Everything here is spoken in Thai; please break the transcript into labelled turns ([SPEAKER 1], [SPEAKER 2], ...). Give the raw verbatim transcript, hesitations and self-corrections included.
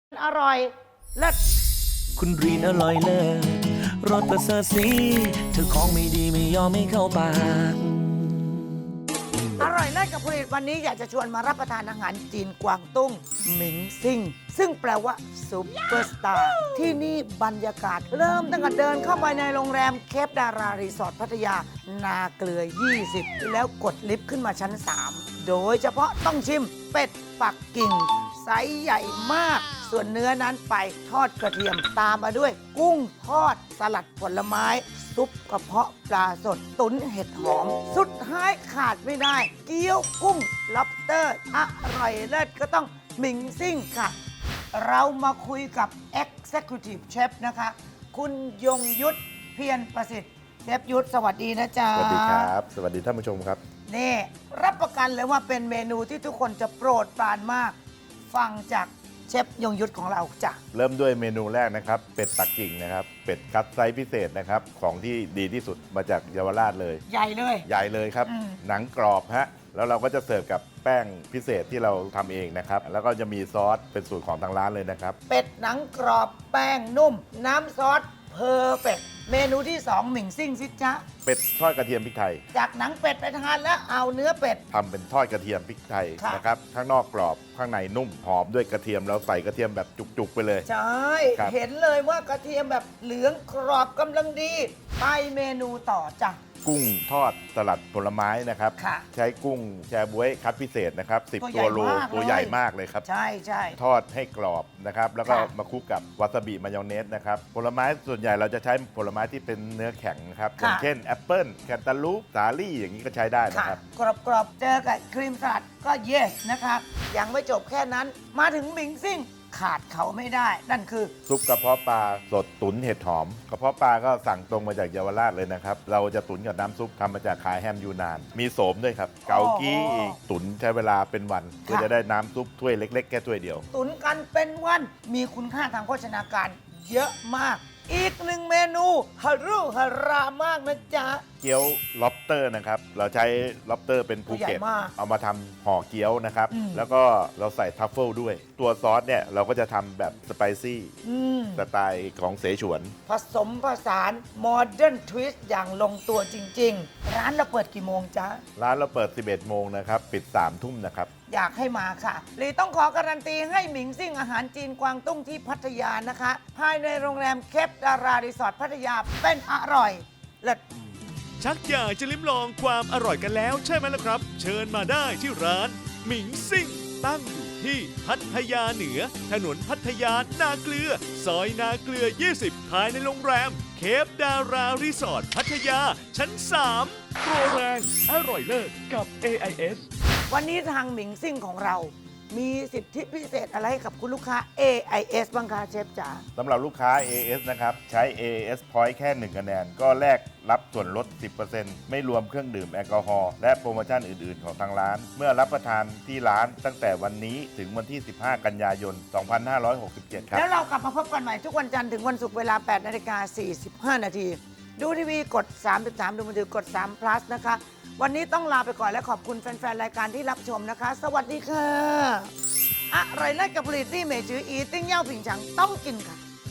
[SPEAKER 1] อร่อยเลิศ
[SPEAKER 2] คุณรีนอร่อยเลิศรสประเสริฐสีเธอของไม่ดีไม่ยอมไม่เข้าปาก
[SPEAKER 1] อร่อยเลิศกับผลิตวันนี้อยากจะชวนมารับประทานอาหารจีนกวางตุ้งหมิงซิ่งซึ่งแปลว่าซุปเปอร์สตาร์ที่นี่บรรยากาศเริ่มตั้งแต่เดินเข้าไปในโรงแรมเคปดารารีสอร์ทพัทยานาเกลือ ยี่สิบ แล้วกดลิฟต์ขึ้นมาชั้น สาม โดยเฉพาะต้องชิมเป็ดปักกิ่งไซส์ใหญ่มากส่วนเนื้อนั้นไปทอดกระเทียมตามมาด้วย กุ้งทอดสลัดผลไม้ซุปกระเพาะปลาสดตุ๋นเห็ดหอม สุดท้ายขาดไม่ได้ เกี๊ยวกุ้งล็อบสเตอร์อร่อยเลิศก็ต้องหมิงซิ่งค่ะ เรามาคุยกับ Executive Chef นะคะ คุณยงยุทธเพียรประสิทธิ์เชฟยุทธสวัสดีนะจ๊ะ
[SPEAKER 3] สวัสดีครับ สวัสดีท่านผู้ชมครับ
[SPEAKER 1] นี่รับประกันเลยว่าเป็นเมนูที่ทุกคนจะโปรดปรานมาก ฟังจากเชฟยงยุทธของเราจ้ะ
[SPEAKER 3] เริ่มด้วยเมนูแรกนะครับ เป็ดปักกิ่งนะครับ เป็ดคัดไซส์พิเศษนะครับ ของที่ดีที่สุดมาจากเยาวราชเลย
[SPEAKER 1] ใหญ่เลย
[SPEAKER 3] ใหญ่เลยครับ
[SPEAKER 1] อืม
[SPEAKER 3] หนังกรอบฮะ แล้วเราก็จะเสิร์ฟกับแป้งพิเศษที่เราทำเองนะครับ แล้วก็จะมีซอสเป็นสูตรของทางร้านเลยนะครับ
[SPEAKER 1] เป็ดหนังกรอบแป้งนุ่ม น้ำซอสเพอร์เฟกเมนูที่สองหมิงซิ่งซิจ๊ะ
[SPEAKER 3] เป็ดทอดกระเทียมพริกไทย
[SPEAKER 1] จากหนังเป็ดไปทานแล้วเอาเนื้อเป็ด
[SPEAKER 3] ทำเป็นทอดกระเทียมพริกไทย
[SPEAKER 1] ค่ะ
[SPEAKER 3] นะครับ ข้างนอกกรอบ ข้างในนุ่ม หอมด้วยกระเทียม เราใส่กระเทียมแบบจุกๆไปเลย
[SPEAKER 1] ใช่
[SPEAKER 3] ครับ
[SPEAKER 1] เห็นเลยว่ากระเทียมแบบเหลืองกรอบกำลังดี ไปเมนูต่อจ้ะ
[SPEAKER 3] กุ้งทอดสลัดผลไม้นะครับ
[SPEAKER 1] ค่ะ
[SPEAKER 3] ใช้กุ้งแชบ๊วยคัดพิเศษนะครับสิบ
[SPEAKER 1] ตัวใหญ่
[SPEAKER 3] ตัวโล
[SPEAKER 1] มาก
[SPEAKER 3] ตัว
[SPEAKER 1] เลย
[SPEAKER 3] ใหญ่มากเลยครับ
[SPEAKER 1] ใช่ใช่
[SPEAKER 3] ทอดให้กรอบนะครับ แล้วก็
[SPEAKER 1] ค่ะ
[SPEAKER 3] มาคลุกกับวาซาบิมายองเนสนะครับ ผลไม้ส่วนใหญ่เราจะใช้ผลไม้ที่เป็นเนื้อแข็งนะครับ อย่างเช่นแอปเปิลแคนตาลูปสาลี่อย่างนี้ก็ใช้ได้
[SPEAKER 1] ค่ะ
[SPEAKER 3] นะครับ
[SPEAKER 1] กรอบกรอบๆเจอกับครีมสลัดก็ yes นะคะยังไม่จบแค่นั้น มาถึงหมิงซิ่งขาดเขาไม่ได้ นั่นคือ
[SPEAKER 3] ซุปกระเพาะปลาสดตุ๋นเห็ดหอม กระเพาะปลาก็สั่งตรงมาจากเยาวราชเลยนะครับ เราจะตุ๋นกับน้ำซุปทำมาจากขายแฮมยูนาน มีโสมด้วยครับ เกากี้อีกตุ๋นใช้เวลาเป็นวันเพื่อจะได้น้ำซุปถ้วยเล็กๆแค่ถ้วยเดียว
[SPEAKER 1] ตุนกันเป็นวันมีคุณค่าทางโภชนาการเยอะมาก อีกหนึ่งเมนูฮารุฮารามากนะจ๊ะ
[SPEAKER 3] เกี๊ยวล็อบสเตอร์นะครับ เราใช้ล็อบสเตอร์เป็นภูเก็ต
[SPEAKER 1] ตัวใหญ่มาก
[SPEAKER 3] เอามาทำห่อเกี๊ยวนะครับ
[SPEAKER 1] อืม
[SPEAKER 3] แล้วก็เราใส่ทัฟเฟิลด้วย ตัวซอสเนี่ยเราก็จะทำแบบสไปซี่
[SPEAKER 1] อืม
[SPEAKER 3] สไตล์ของเสฉวน
[SPEAKER 1] ผสมผสานโมเดิร์นทวิสต์อย่างลงตัวจริง ๆ ร้านเราเปิดกี่โมงจ๊ะ
[SPEAKER 3] ร้านเราเปิด สิบเอ็ด โมงนะครับ ปิด สาม ทุ่มนะครับ
[SPEAKER 1] อยากให้มาค่ะลีต้องขอการันตีให้หมิงซิ่งอาหารจีนกวางตุ้งที่พัทยานะคะ ภายในโรงแรมเคปดารารีสอร์ทพัทยาเป็นอร่อยเลิศ
[SPEAKER 4] ชักอยากจะลิ้มลองความอร่อยกันแล้วใช่ไหมล่ะครับ เชิญมาได้ที่ร้านหมิงซิ่งตั้งอยู่ที่พัทยาเหนือ ถนนพัทยานาเกลือ ซอยนาเกลือ ยี่สิบ ภายในโรงแรม เคปดารารีสอร์ทพัทยา ชั้น สามโปรแรงอร่อยเลิศกับ เอ ไอ เอส
[SPEAKER 1] วันนี้ทางหมิงซิ่งของเรา มีสิทธิพิเศษอะไรให้กับคุณลูกค้า เอ ไอ เอส บ้างคะเชฟจ๋า
[SPEAKER 3] สำหรับลูกค้า เอ เอส นะครับ ใช้ เอ เอส Point แค่ หนึ่ง คะแนน ก็แลกรับส่วนลด สิบเปอร์เซ็นต์ ไม่รวมเครื่องดื่มแอลกอฮอล์และโปรโมชั่นอื่น ๆ ของทางร้าน เมื่อรับประทานที่ร้านตั้งแต่วันนี้ถึงวันที่ สิบห้า กันยายน สองพันห้าร้อยหกสิบเจ็ด ครับ
[SPEAKER 1] แล้วเรากลับมาพบกันใหม่ทุกวันจันทร์ถึงวันศุกร์เวลา แปดนาฬิกาสี่สิบห้า นาที ดูทีวีกด สามสิบสาม ดูมือถือกด สาม plus นะคะ วันนี้ต้องลาไปก่อนและขอบคุณแฟน ๆ รายการที่รับชมนะคะ สวัสดีค่ะ อร่อยเลิศกับผลิตที่เมจืออีติ้งเย่าผิงฉังต้องกินค่ะ